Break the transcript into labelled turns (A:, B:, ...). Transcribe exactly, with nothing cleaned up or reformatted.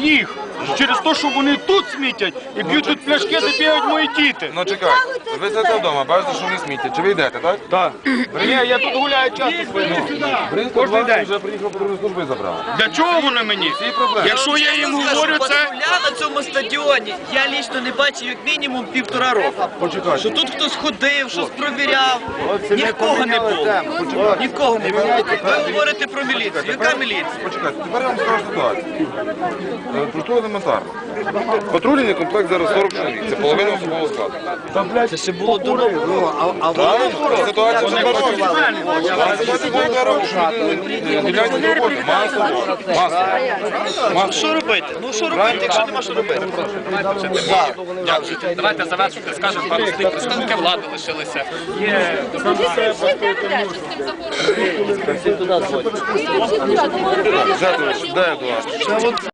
A: їх. Через те, що вони тут смітять і б'ють тут пляшки, де бігають мої діти.
B: Ну чекай, ви сидите вдома, бачите, що вони сміття. Чи ви йдете, так?
A: Так. Ні, я тут гуляю часто своїм. Кожен день.
B: Вже приїхав патрульної служби і забрав.
A: Для чого вони мені? Якщо я їм говорю це...
C: Патруля на цьому стадіоні я лічно не бачив як мінімум півтора року.
B: Почекайте.
C: Що тут хтось ходив, щось провіряв. Нікого не було. Нікого не було. Ви говорите про міліцію. Яка міліція?
B: Почекайте, тепер я вам скажу ситуацію. Е, Просто елементарно. Патрульний комплект зараз сорок чоловік, це половина особового складу.
C: Це ще було до нового. А
B: Так, ситуація вже два роки. Ситуація була два роки, що люди не гляньте до роботи. Масово. Масово.
C: що робити? Ну що робити, якщо нема що робити?
D: Дякую. Давайте завершити, скажемо пару слів. Представники влади лишилися. Є
B: Де Едуард?